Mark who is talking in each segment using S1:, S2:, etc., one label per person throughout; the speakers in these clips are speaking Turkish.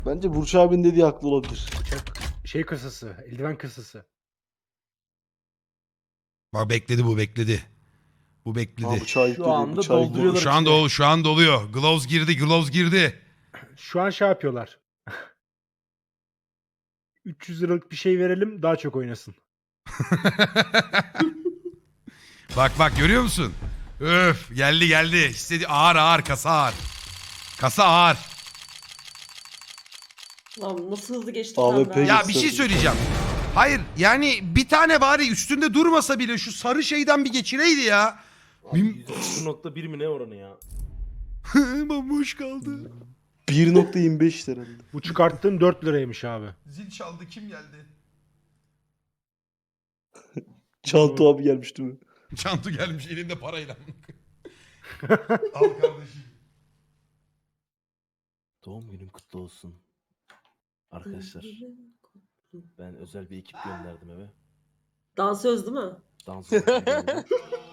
S1: Bence Burç abinin dediği haklı olabilir.
S2: Bıçak şey kasası, eldiven kasası.
S3: Bak bekledi bu bekledi. Bu bekledi.
S1: Aa, bıçağı yükledi.
S4: anda
S1: Bıçağı yükledi.
S4: dolduruyorlar.
S3: Şu an doluyor. Gloves girdi.
S2: Şu an şey yapıyorlar. 300 liralık bir şey verelim daha çok oynasın.
S3: Bak görüyor musun? Öf geldi. Ağır kasa ağır. Kasa ağır.
S5: Lan nasıl hızlı geçti
S1: AWP
S5: senden.
S3: Ya bir şey söyleyeceğim. Hayır yani bir tane bari üstünde durmasa bile şu sarı şeyden bir geçireydi ya.
S4: %0.1 mi ne oranı ya?
S3: Bomboş kaldı.
S1: 1.25 herhalde.
S2: Bu çıkarttığım 4 liraymış abi.
S3: Zil çaldı kim geldi?
S1: Çanta abi gelmişti mi?
S3: Çantu gelmiş elinde parayla. Al kardeşim.
S4: Doğum günün kutlu olsun. Arkadaşlar ben özel bir ekip gönderdim eve.
S5: Dansöz değil mi?
S4: Dans ekibi.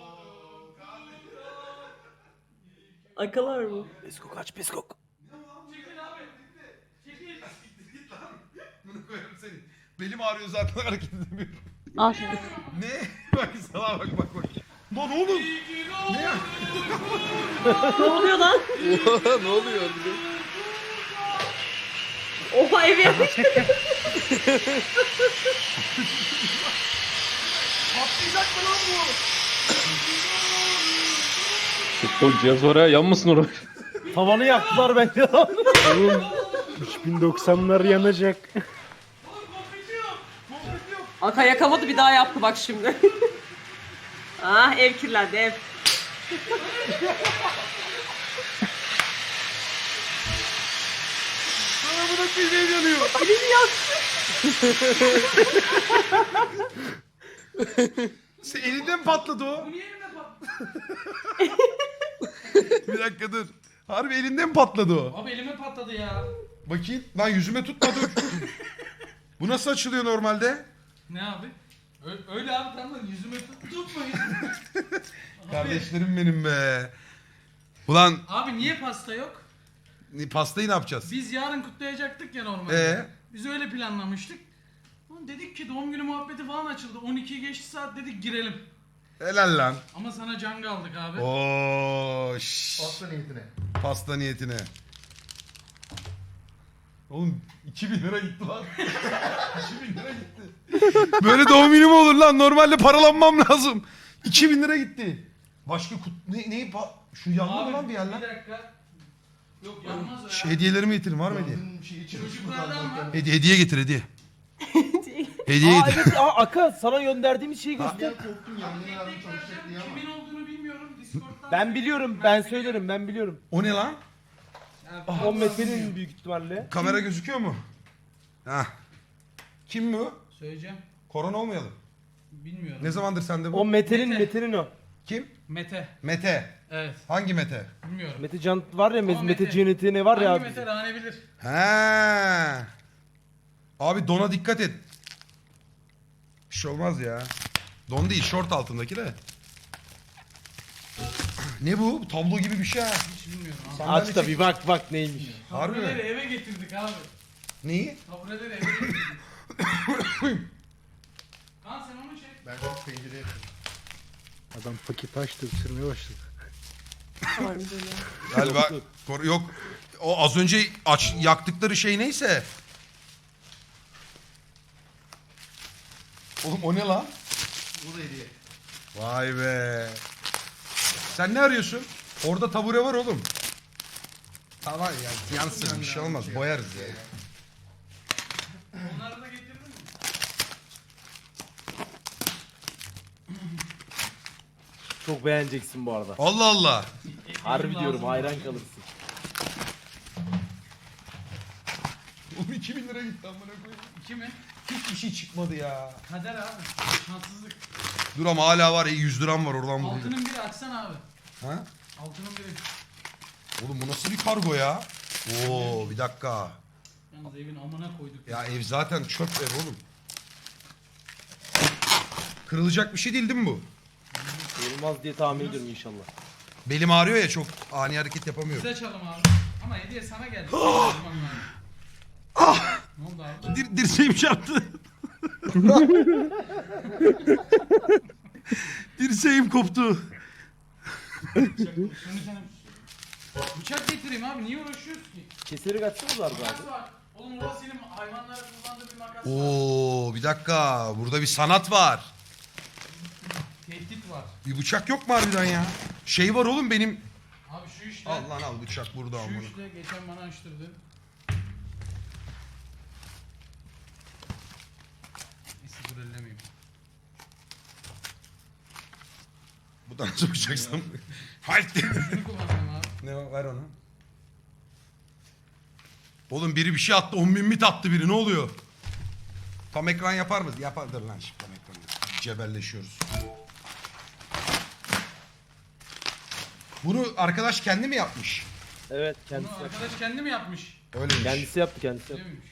S5: Akalar mı?
S4: Peskok aç peskok.
S3: Bunu koyarım seni. Belim ağrıyor zaten hareket edemiyorum.
S6: Al.
S3: Ne? Bak sana bak. Lan oğlum. Ne ya?
S5: Ne oluyor lan?
S1: Ne oluyor?
S5: Oha ev yapmış.
S3: Patlayacak mı lan bu?
S7: Futbol cihaz var ya yanmasın oraya.
S4: Tavanı yaktılar bence.
S2: Oğlum 3090'lar yanacak.
S5: Aka yakamadı bir daha yaptı bak şimdi. Ah ev kirlendi ev.
S3: Buna bir şey yanıyor.
S5: Elini yaktı.
S3: Sen elinden patladı o. Bu niye elinden patladı? Bir dakika dur. Harbi elinden patladı o.
S8: Abi elime patladı ya.
S3: Bakayım. Lan yüzüme tutma dur. Bu nasıl açılıyor normalde?
S8: Ne abi? Öyle abi tamam yüzüme tutmayın.
S3: Kardeşlerim benim be. Ulan
S8: Abi niye pasta yok?
S3: pastayı ne yapacağız?
S8: Biz yarın kutlayacaktık ya normalde. Biz öyle planlamıştık. Ulan dedik ki doğum günü muhabbeti falan açıldı. 12'yi geçti saat dedik girelim.
S3: Helal lan.
S8: Ama sana can aldık abi.
S3: Oo, Pasta niyetine. Oğlum 2000 lira gitti lan. 2000 lira gitti. Böyle doğum günü mü olur lan? Normalde paralanmam lazım. 2000 lira gitti. Başka şu yandı mı lan bir yer lan?
S8: Bir dakika. Yok yanmaz o ya.
S3: Hediyelerimi getirin var mı hediye?
S8: Çocuklardan var.
S3: Hediye getir hediye. Hediye getir.
S4: Evet Aka sana gönderdiğimiz şeyi göster.
S8: Kimin olduğunu bilmiyorum. Discord'dan.
S4: Ben biliyorum ben söylerim ben biliyorum.
S3: O ne lan?
S4: O Mete'nin büyük ihtimalle.
S3: Kamera gözüküyor mu? Hah. Kim bu?
S8: Söyleyeceğim.
S3: Korona olmayalım.
S8: Bilmiyorum.
S3: Ne zamandır sende bu?
S4: O Mete'nin
S8: Mete.
S4: Mete'nin o.
S3: Kim?
S8: Mete.
S3: Mete.
S8: Evet.
S3: Hangi Mete?
S8: Bilmiyorum.
S4: Mete Can var ya
S8: Ama
S4: Mete
S8: Mete.
S4: Cennet'i var ya
S8: Hangi
S4: abi.
S8: Mete Rane bilir.
S3: He. Abi dona dikkat et. Bir şey olmaz ya. Don değil, şort altındaki de. Ne bu? Tablo gibi bir şey ha.
S8: Hiç bilmiyorum abi.
S3: Sandalye
S4: Aç da
S3: çek-
S4: bir bak neymiş.
S3: Harbi mi?
S8: Tabureleri eve getirdik abi.
S3: Neyi?
S8: Tabureleri eve getirdik. Kaan sen onu çek.
S2: Adam paket açtı ısırmaya başladı.
S3: Galiba yok. O az önce yaktıkları şey neyse. Oğlum o ne lan? Bu da hediye. Vay be. Sen ne arıyorsun? Orada tabure var oğlum. Tamam ya yansın bir şey olmaz boyarız ya.
S8: Onları da getirdin mi?
S4: Çok beğeneceksin bu arada.
S3: Allah Allah.
S4: Harbi
S8: Lazım.
S4: diyorum hayran kalırsın.
S3: Oğlum 2000 lira gitti amına koyayım.
S8: İki mi?
S3: Hiçbir şey çıkmadı ya.
S8: Kader abi. Şanssızlık.
S3: Dur ama hala var ya 100 liram var oradan bulayım.
S8: Altının biri açsana abi.
S3: Ha?
S8: Altının biri.
S3: Oğlum bu nasıl bir kargo ya? Oo bir dakika.
S8: Yalnız evin amına koyduk.
S3: Ya ev zaten çöp ev oğlum. Kırılacak bir şey değil mi bu?
S4: Olmaz diye tahmin ediyorum inşallah.
S3: Belim ağrıyor ya çok ani hareket yapamıyorum.
S8: Biz açalım abi. Ama hediye sana geldi. Tamam.
S3: Dirseğim çarptı. Dirseğim koptu.
S8: Şunu sana... Bıçak getireyim abi, niye uğraşıyoruz ki?
S4: Keseri kaçsınız var
S8: Makas
S4: abi.
S8: var. Oğlum orada senin hayvanlara kullandığı bir makas var.
S3: Oo, bir dakika. Burada bir sanat var.
S8: Tehdit var.
S3: Bir bıçak yok mu harbiden ya? Şey var oğlum benim.
S8: Abi şu işte.
S3: Al lan al, bıçak burada
S8: Şu
S3: amına.
S8: işte geçen bana açtırdın. Neyse dur ellemeyeyim.
S3: Bu da nasıl bıçaksam? Haydi.
S8: Şunu kullanacağım abi.
S3: Ne var, ver onu. Oğlum biri bir şey attı. 10.000 mit attı biri. Ne oluyor? Tam ekran yapar mı? Yapardır lan şimdi tam ekran. Cebelleşiyoruz. Bunu arkadaş kendi mi yapmış?
S4: Evet
S8: Bunu
S4: kendisi yaptı.
S8: arkadaş kendi mi yapmış?
S3: Öyleymiş.
S4: Kendisi yaptı kendisi
S8: Öyle
S4: yaptı.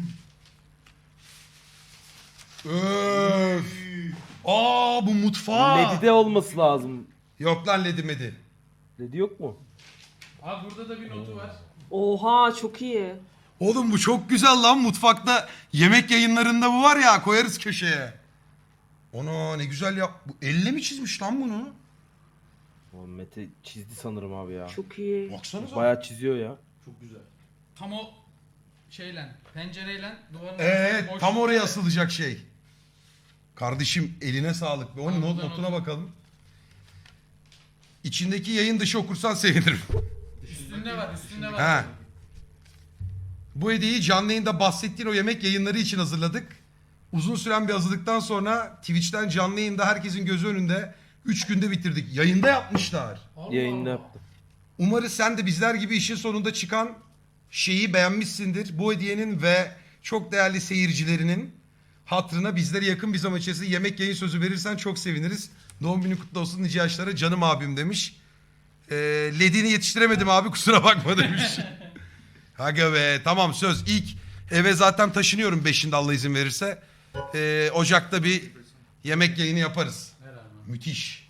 S8: miymiş?
S3: Öf. Aa bu mutfağı.
S4: Ledide olması lazım.
S3: Yok lan ledi medi.
S4: Ledi yok mu?
S8: Abi burada da bir notu var.
S5: Oha çok iyi.
S3: Oğlum bu çok güzel lan, mutfakta yemek yayınlarında bu var ya, koyarız köşeye. Ona ne güzel yap. Bu elle mi çizmiş lan bunu?
S4: O Mete çizdi sanırım abi ya.
S5: Çok iyi.
S3: Baksanıza.
S4: Bayağı çiziyor ya.
S8: Tam o şeyle, pencereyle duvarın
S3: Evet
S8: arasında
S3: tam
S8: boşluk
S3: oraya
S8: var.
S3: asılacak şey. Kardeşim eline sağlık. Onun
S8: Al, buradan
S3: notuna
S8: oku.
S3: bakalım. İçindeki yayın dışı okursan sevinirim.
S8: Üstünde var, üstünde var.
S3: Ha. Bu hediyeyi canlı yayında bahsettiğin o yemek yayınları için hazırladık. Uzun süren bir hazırlıktan sonra Twitch'ten canlı yayında herkesin gözü önünde 3 günde bitirdik. Yayında yapmışlar.
S8: Allah
S4: Yayında
S8: Allah.
S4: yaptı.
S3: Umarız sen de bizler gibi işin sonunda çıkan şeyi beğenmişsindir. Bu hediyenin ve çok değerli seyircilerinin hatırına bizlere yakın bir zaman içerisinde yemek yayın sözü verirsen çok seviniriz. Doğum günü kutlu olsun nice yaşlara canım abim demiş. Ledini yetiştiremedim abi kusura bakma demiş. Aga be tamam söz. İlk eve zaten taşınıyorum 5'inde Allah izin verirse. Ocak'ta bir yemek yayını yaparız.
S8: Ver abi.
S3: Müthiş.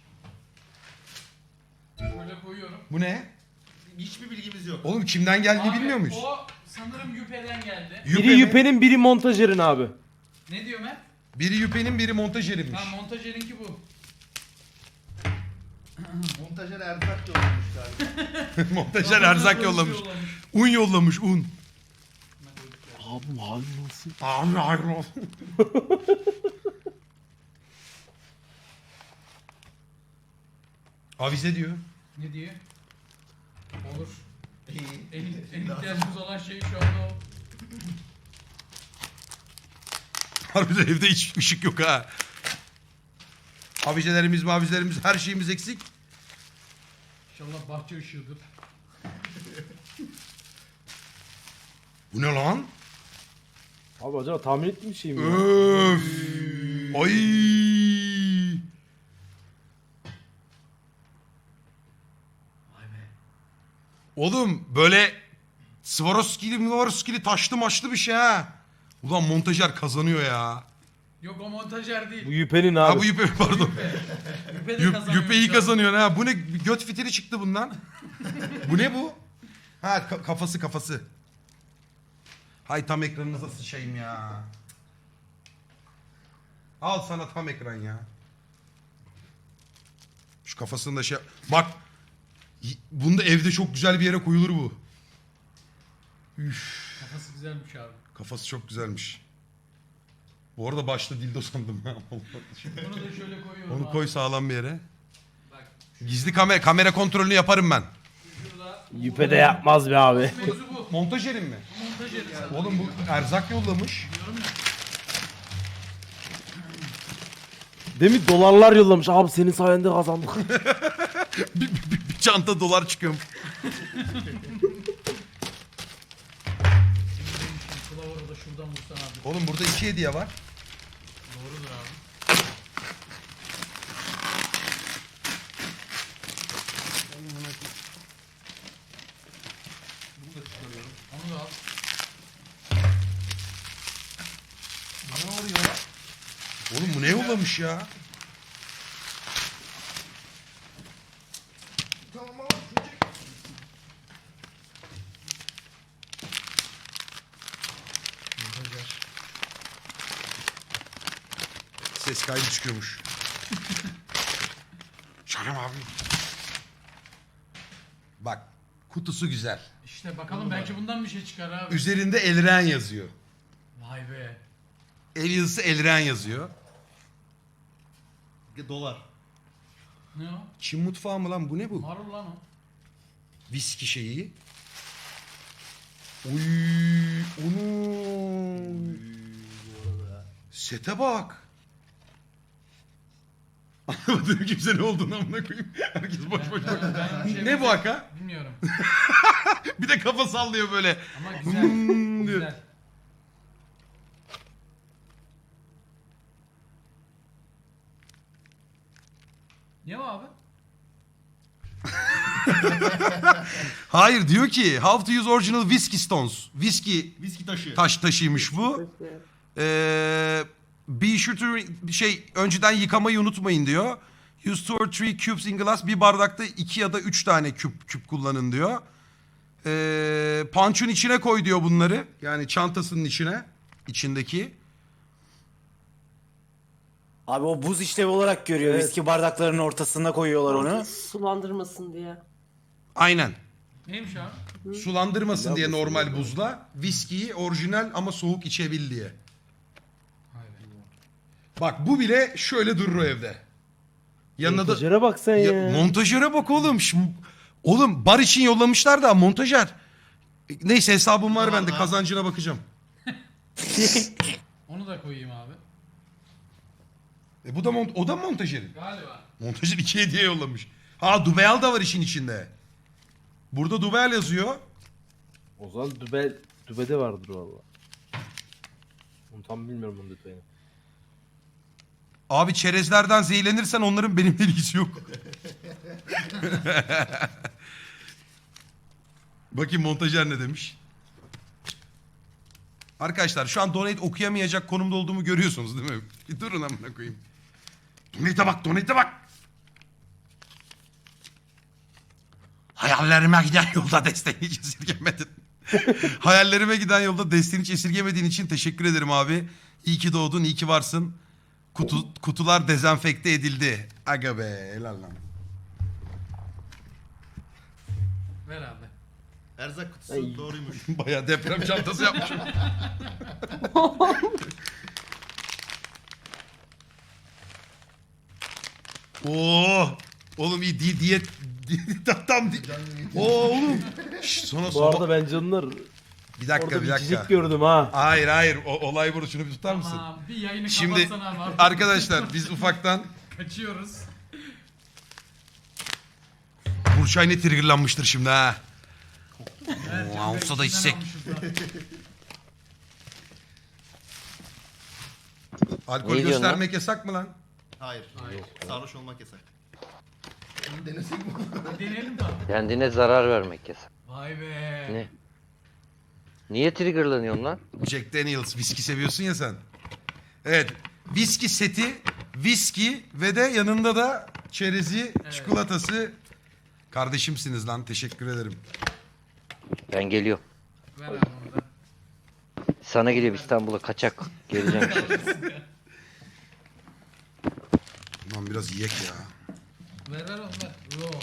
S8: Şöyle koyuyorum.
S3: Bu ne?
S6: Hiçbir bilgimiz yok.
S3: Oğlum kimden geldiğini
S8: Abi,
S3: bilmiyor muyuz?
S8: O sanırım Yüpe'den geldi.
S3: Yüpe
S4: Biri
S3: mi?
S4: Yüpe'nin biri montajerin abi.
S8: Ne diyor Mert?
S3: Biri Yüpe'nin biri montajerinmiş.
S8: Ha montajerinki bu.
S6: Montajer erzak yollamış galiba.
S3: Montajer erzak yollamış. Un yollamış un.
S1: Abi halin olsun.
S3: Abi hayır olsun. Avize diyor.
S8: Ne diyor? Olur.
S6: İyi.
S8: En ihtiyacımız olan şey şu anda o.
S3: Harbiden evde hiç ışık yok ha. Avizelerimiz her şeyimiz eksik.
S8: İnşallah bahçe ışığıdır.
S3: Bu ne lan?
S4: Abi acaba tahmin ettiğim şey mi ya?
S3: Öf. Ay. Oğlum böyle Swarovski'li taşlı maçlı bir şey ha. Ulan montajer kazanıyor ya.
S8: Yok o montajer değil.
S4: Bu Yüpe'nin abi.
S3: Ha bu Yüpe pardon.
S8: Yüpe de kazanıyor.
S3: Yüpe iyi
S8: şu an.
S3: kazanıyor ha. Bu ne göt fitili çıktı bundan. Bu ne bu? Ha kafası. Hay tam ekranınıza sıçayım ya. Al sana tam ekran ya. Şu kafasını da şey... Bak. Bunda evde çok güzel bir yere koyulur bu.
S8: Kafası güzelmiş abi.
S3: Kafası çok güzelmiş. Bu arada başta dildo sandım.
S8: Bunu da şöyle koyuyorum
S3: Onu
S8: abi.
S3: koy sağlam bir yere.
S8: Bak
S3: Gizli kamera kontrolünü yaparım ben.
S8: şurada.
S4: Yüpe de yapmaz be abi.
S8: Mevzu bu.
S3: Montajerim mi?
S8: Montajeri sen.
S3: Oğlum bu erzak yollamış.
S8: Diyorum ya.
S4: Demin dolarlar yollamış. Abi senin sayende kazandık.
S3: Bir çanta dolar çıkıyor.
S8: Kılavuru da şuradan vursan abi.
S3: Oğlum burada 2 hediye var.
S8: Doğrudur abi. Onu da al.
S3: Ne oluyor? Oğlum bu ne yollamış ya?
S6: Tamam ama çocuk.
S3: Montajer. Ses kaydı çıkıyormuş. Canım abi. Bak kutusu güzel.
S8: İşte bakalım belki bundan bir şey çıkar abi.
S3: Üzerinde Elren yazıyor.
S8: Vay be.
S3: El yazısı Elren yazıyor.
S6: Dolar.
S8: Ne o?
S3: Çin mutfağı mı lan bu ne bu?
S8: Marul lan o.
S3: Viski şeyi. Uy, onu. Sete bak. Anlamadım kimse ne olduğunu amına koyayım. Herkes boş boş bak.
S8: Ben bir şey
S3: Ne bu haka?
S8: Bilmiyorum.
S3: Bir de kafa sallıyor böyle.
S8: Ama güzel.
S3: Hmm diyor.
S8: Güzel. Ne o abi?
S3: Hayır diyor ki how to use original whiskey stones.
S6: Viski taşı.
S3: Taş taşıymış bu. Be sure to önceden yıkamayı unutmayın diyor. Use 2 or 3 cubes in glass. Bir bardakta 2 ya da 3 tane küp kullanın diyor. Punch'un içine koy diyor bunları. Yani çantasının içindeki.
S9: Abi o buz işlevi olarak görüyor.
S2: Evet.
S9: Viski bardaklarının ortasına koyuyorlar onu.
S5: Sulandırmasın diye.
S3: Aynen.
S8: Neymiş abi?
S3: Sulandırmasın diye normal buzla. Viskiyi orijinal ama soğuk içebil diye. Bak bu bile şöyle durur o evde. Yanına da...
S2: Montajere bak sen ya.
S3: Montajöre bak oğlum. Oğlum bar için yollamışlar da montajer. Neyse hesabım var bende, kazancına bakacağım.
S8: Onu da koyayım abi.
S3: Bu da o da montajerin.
S8: Galiba.
S3: Montajer 2 hediye yollamış. Ha Dubeal da var işin içinde. Burada Dubeal yazıyor.
S4: O zaman dübede vardır valla. Onu tam bilmiyorum onun detayını.
S3: Abi çerezlerden zehirlenirsen onların benimle ilgisi yok. Bakayım montajer ne demiş. Arkadaşlar şu an donate okuyamayacak konumda olduğumu görüyorsunuz değil mi? Bir durun amına koyayım. Donate'e bak. Hayallerime giden yolda desteğini hiç esirgemedin. Hayallerime giden yolda desteğini hiç esirgemediğin için teşekkür ederim abi. İyi ki doğdun, iyi ki varsın. Kutular dezenfekte edildi. Aga be, helal lan.
S8: Ver abi.
S6: Erzak kutusu doğruymuş.
S3: Bayağı deprem çantası yapmışım. Oo, oğlum iyi diyet tam oğlum. Sonra
S4: Bu arada ben canlar
S3: bir dakika
S4: orada
S3: bir
S4: bir
S3: dakika.
S4: cicik gördüm ha.
S3: Hayır olay burada, şunu bir tutar mısın?
S8: Tamam, bir yayını
S3: Şimdi
S8: kapatsana abi.
S3: arkadaşlar biz ufaktan
S8: Kaçıyoruz.
S3: Burçay ne triggerlanmıştır şimdi ha.
S8: Evet,
S3: Oo, olsa da içsek. Alkol
S7: Ne diyorsun
S3: göstermek yasak mı lan?
S6: Hayır. Sarhoş olmak yasak. Bunu denesek mi?
S8: Deneyelim de abi.
S7: Kendine zarar vermek yasak.
S8: Vay be.
S7: Ne? Niye triggerlanıyorsun lan?
S3: Jack Daniels viski seviyorsun ya sen. Evet. Viski seti, viski ve de yanında da çerezi, çikolatası. Kardeşimsiniz lan, teşekkür ederim.
S7: Ben geliyorum.
S8: Ver abi onu da.
S7: Sana geliyorum İstanbul'a kaçak. Geleceğim şimdi.
S3: Ulan biraz yiyek ya.
S8: Ver onu ver. Yok.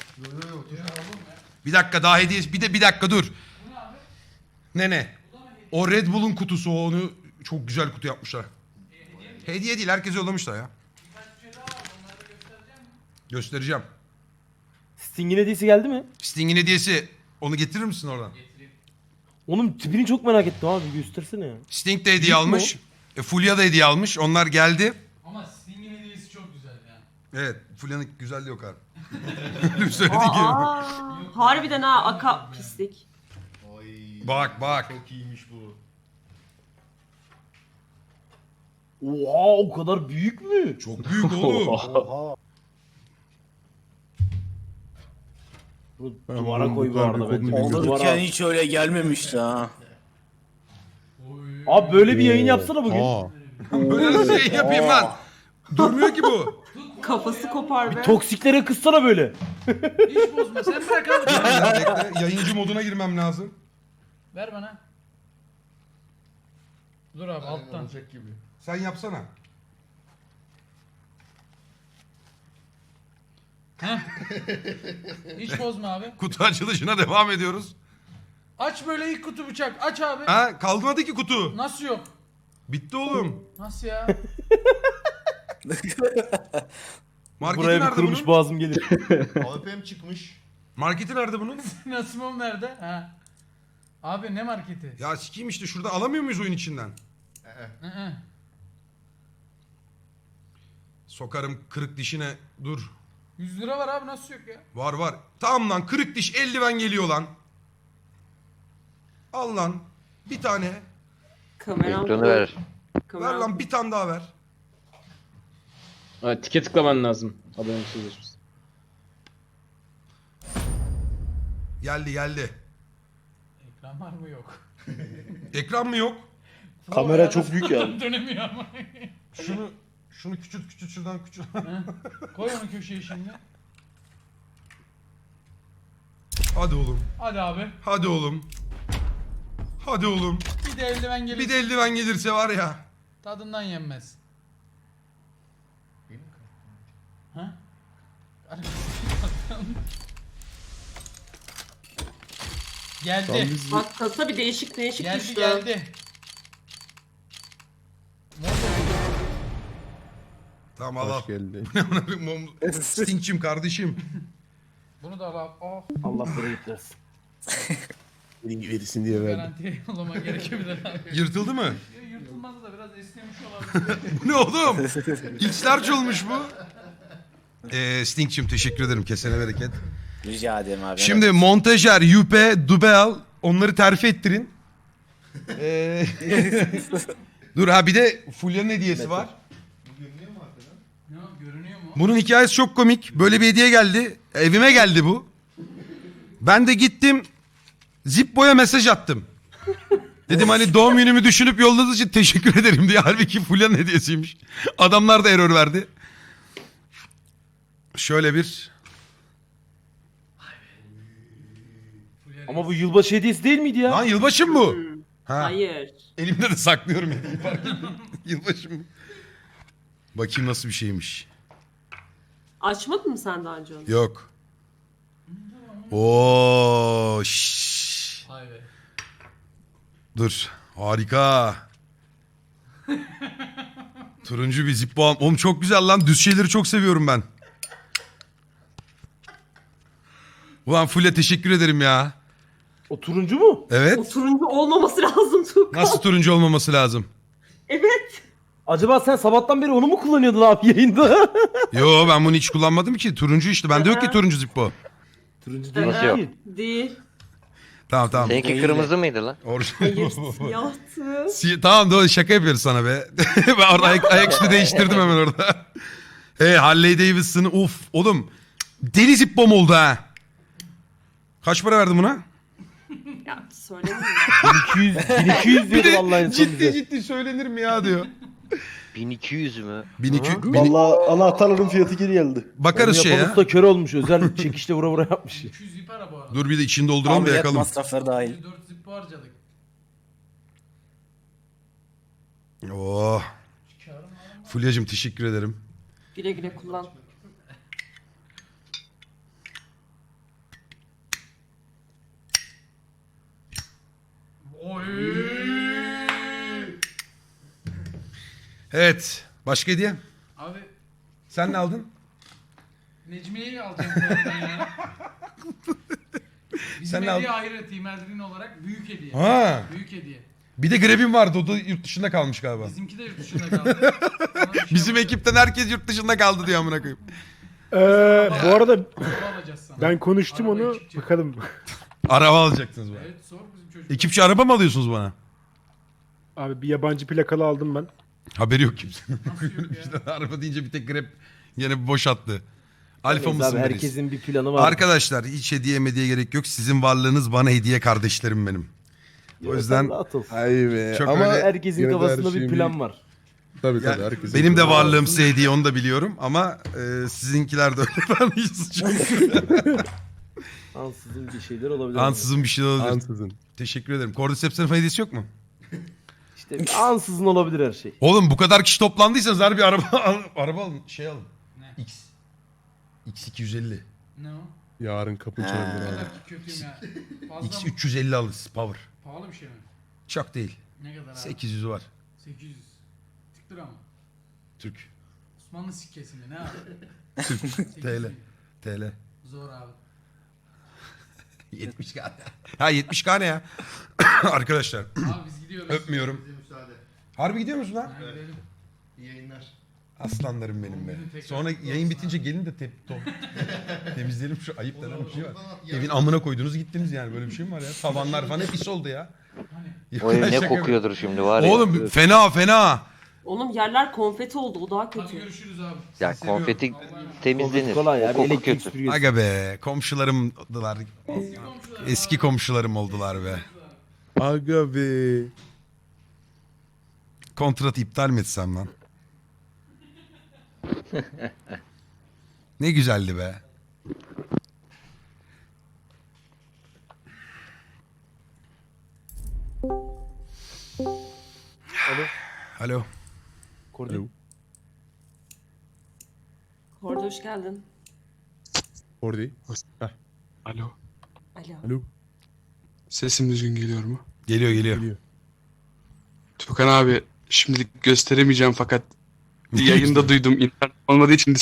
S3: Bir dakika daha hediye, bir dakika dur. Ne? O Red Bull'un kutusu, onu çok güzel kutu yapmışlar. Hediye değil, herkese yollamışlar ya. Göstereceğim.
S4: Sting'in hediyesi geldi mi?
S3: Sting'in hediyesi, onu getirir misin oradan?
S4: Onun tipini çok merak ettim abi, göstersene ya.
S3: Sting de hediye
S4: Büyük mü
S3: almış. Fulya da hediye almış. Onlar geldi.
S8: Ama Sting'in hediyesi çok güzel ya.
S3: Evet, Fulya'nın güzelliği yok abi. Söylediği gibi.
S5: Harbiden ha, aka pislik.
S6: Oy.
S3: Bak.
S6: Çok iyiymiş bu.
S4: Oha, o kadar büyük mü?
S3: Çok büyük oğlum.
S2: Oha.
S4: Bunu duvara koy bu arada bence.
S9: Olurken hiç öyle gelmemişti ha.
S4: Abi böyle bir yayın yapsana bugün.
S3: Böyle nasıl yayın yapayım lan? Durmuyor ki bu.
S5: Kafası kopar be.
S4: Toksiklere kızsana böyle.
S8: Hiç bozma. Sen bırak abi.
S3: Bekle, yayıncı moduna girmem lazım.
S8: Ver bana. Dur abi alttan.
S3: Sen yapsana.
S8: Hiç bozma abi.
S3: Kutu açılışına devam ediyoruz.
S8: Aç böyle ilk kutu bıçak. Aç abi.
S3: Ha kalmadı ki kutu.
S8: Nasıl yok?
S3: Bitti oğlum.
S8: Nasıl ya?
S3: Marketi
S4: Buraya bir
S3: nerede
S4: kurumuş
S3: bunun?
S4: boğazım gelir.
S6: AWP'm çıkmış.
S3: Marketi nerede bunun?
S8: Nasımım nerede? Ha. Abi ne marketi?
S3: Ya sikeyim işte şurada alamıyor muyuz oyun içinden?
S8: Hı.
S3: Sokarım kırık dişine. Dur.
S8: 100 lira var abi nasıl yok ya?
S3: Var var. Tamam lan kırık diş eldiven geliyor lan. Al lan. Bir tane.
S5: Kameram.
S7: Ekranı ver.
S3: Ver
S5: Kameram.
S3: lan bir tane daha ver.
S1: Evet, tike tıklaman lazım. Abone sözleşmesi.
S3: Geldi geldi.
S8: Ekran var mı yok?
S3: Ekran mı yok?
S9: Kamera çok büyük ya.
S8: Dönemiyor ama.
S3: Şunu küçült şuradan küçült.
S8: Koy onu köşeye şimdi.
S3: Hadi oğlum.
S8: Hadi abi.
S3: Hadi oğlum. Hadi oğlum.
S8: Bir de eldiven gelir.
S3: Bir de eldiven gelirse var ya.
S8: Tadından yenmez. Ha? Geldi.
S5: Bak kasa bir değişik
S8: Geldi
S5: düştü.
S8: geldi.
S3: Tamam al al.
S2: Hoş geldin.
S3: Stinkçim kardeşim.
S8: Bunu da al. Oh,
S4: Allah bereket versin.
S2: Verirsin diye verdim.
S8: garantiye yollaman gerekebilir abi.
S3: Yırtıldı mı?
S8: Yırtılmaz da biraz esnemiş olabilir.
S3: Bu ne oğlum? İçler olmuş bu. Stinkçim teşekkür ederim. Kesene bereket.
S9: Rica ederim abi.
S3: Şimdi montajer, yüpe, dubel onları terfi ettirin. Dur ha bir de Fulya'nın hediyesi var.
S8: Ne görünüyor mu?
S3: Bunun hikayesi çok komik. Böyle bir hediye geldi. Evime geldi bu. Ben de gittim. Zippo'ya mesaj attım. Dedim hani doğum günümü düşünüp yolladığınız için teşekkür ederim diye. Halbuki Fulya'nın hediyesiymiş. Adamlar da error verdi. Şöyle bir...
S4: Ama bu yılbaşı hediyesi değil miydi ya?
S3: Lan yılbaşı mı bu? Ha.
S5: Hayır.
S3: Elimde de saklıyorum. Yılbaşı mı? Bakayım nasıl bir şeymiş.
S5: Açmadın mı sen daha önce onu?
S3: Yok. Oo, şşş.
S8: Vay be.
S3: Dur. Harika. Turuncu bir Zippo. Oğlum çok güzel lan. Düz şeyleri çok seviyorum ben. Ulan Fulya teşekkür ederim ya.
S4: O turuncu mu?
S5: O
S3: Evet.
S5: turuncu olmaması lazım Tuğkan.
S3: Nasıl turuncu olmaması lazım?
S5: Evet.
S4: Acaba sen sabahtan beri onu mu kullanıyordun abi yayında?
S3: Yo ben bunu hiç kullanmadım ki. Turuncu işte. Bende yok ki turuncu Zippo.
S4: Turuncu değil.
S7: Nasıl yok?
S4: ki.
S5: Değil.
S3: Tamam tamam.
S7: Seninki kırmızı mıydı lan?
S5: Hayır
S3: Orijinal.
S5: siyahtı.
S3: Tamam doğru şaka yapıyoruz sana be. Ben orada ayaküstü değiştirdim hemen orada. Harley Davidson'ı uf oğlum. Deli Zippo'm oldu ha. Kaç para verdin buna?
S5: Ya söylemeyeyim.
S4: 1200 diyordu vallahi en son bize.
S3: ciddi söylenir mi ya diyor.
S7: 1200 mü?
S3: 1200.
S9: Vallahi anahtarların fiyatı geri geldi.
S3: Bakarız
S4: Onu
S3: şey
S4: yapan
S3: ya.
S4: usta kör olmuş. Özel çekişle vura vura yapmış.
S8: 200 zip ara bu arada.
S3: Dur bir de içini dolduralım da
S9: Ameliyat
S3: yakalım.
S9: masrafları dahil.
S8: 4 zip harcadık.
S3: Oh. Fulya'cığım teşekkür ederim.
S5: Güle güle kullan.
S8: Oy.
S3: Evet. Başka hediye?
S8: Abi
S3: Sen ne aldın?
S8: Necmiye'yi alacağım bu arada ya. Bizim
S3: Sen ne
S8: hediye ayrı Team Eldrin olarak büyük hediye.
S3: Ha.
S8: Büyük hediye.
S3: Bir de Greb'in vardı. O da yurt dışında kalmış galiba.
S8: Bizimki de yurt dışında kaldı. Ona bir şey
S3: Bizim
S8: yapacağız.
S3: ekipten herkes yurt dışında kaldı diyor amına koyayım.
S2: Bu arada
S8: Araba alacağız sana.
S2: ben konuştum
S8: Arabayı
S2: onu.
S8: çıkacak.
S2: Bakalım.
S3: Araba alacaksınız bana.
S8: Evet sor bizim çocuk.
S3: Ekipçi araba mı alıyorsunuz bana?
S2: Abi bir yabancı plakalı aldım ben.
S3: Haberi yok kimsenin.
S8: Nasıl yok ya?
S3: İşte araba deyince bir tek Grab yine bir boş attı. Alfa
S4: Neyse
S3: mısın
S4: abi,
S3: biriz?
S4: herkesin bir planı var.
S3: Arkadaşlar hiç hediye mediye gerek yok. Sizin varlığınız bana hediye kardeşlerim benim. O yüzden
S4: Rahat ol.
S2: Ay be.
S3: Çok
S2: Ama
S3: öyle-
S4: Herkesin
S2: yine de her
S4: kafasında bir
S2: şeyin
S4: plan var.
S2: Tabii
S3: Ya,
S2: herkesin
S3: benim de
S2: planı
S3: varlığım size hediye onu da biliyorum ama sizinkiler de öyle. Ben hiç suçum yok.
S4: Ansızın bir şeyler olabilir.
S3: Ansızın bir şey olabilir.
S2: Ansızın.
S3: Teşekkür ederim. Cordyceps'in hediyesi yok mu?
S4: İşte ansızın olabilir her şey.
S3: Oğlum bu kadar kişi toplandıysanız harbi araba alın. Araba alın. Şey alın.
S8: Ne?
S3: X. X250.
S8: Ne o?
S2: Yarın kapı çalınır
S8: Ne
S2: abi.
S8: kadar ki kötüyüm ya. Fazla mı?
S3: X350 alırız power.
S8: Pahalı bir şey mi?
S3: Çok değil.
S8: Ne kadar abi?
S3: 800'ü var.
S8: 800. Türk lira mı?
S3: Türk.
S8: Osmanlı sikkesi mi? Ne abi?
S3: Türk.
S8: 800
S3: TL.
S8: mi?
S3: TL.
S8: Zor abi.
S3: 70k. Ha 70k ne ya? Arkadaşlar
S8: Abi biz gidiyoruz.
S3: öpmüyorum.
S6: Bize müsaade.
S3: Harbi gidiyor musun lan?
S8: Ha, gidelim.
S6: İyi yayınlar.
S3: Aslanlarım benim be. Sonra yayın bitince gelin de temizleyelim şu ayıp denen bir şey var. Evin amına koydunuz gittiniz yani böyle bir şey mi var ya? Tavanlar falan hep pis oldu ya.
S7: O ev ne
S3: Şaka
S7: kokuyordur şimdi var ya.
S3: Oğlum fena fena.
S5: Oğlum yerler konfeti oldu. O daha
S8: Hadi
S5: kötü.
S8: görüşürüz abi.
S7: Ya konfeti temizlenir.
S9: Kolay
S7: O
S9: abi
S7: koku
S9: elektrik
S7: kötü.
S9: süpürgesi.
S3: Aga be komşularımdılar. Eski komşularım oldular be.
S2: Aga be.
S3: Kontratı iptal mi etsem lan? Ne güzeldi be. Alo.
S2: Alo.
S5: Orada hoş geldin.
S2: Orada.
S10: Alo.
S5: Alo.
S2: Alo.
S10: Sesim düzgün geliyor mu?
S3: Geliyor geliyor.
S2: Geliyor.
S10: Tukan abi şimdilik gösteremeyeceğim fakat yayında duydum. İnternet olmadığı için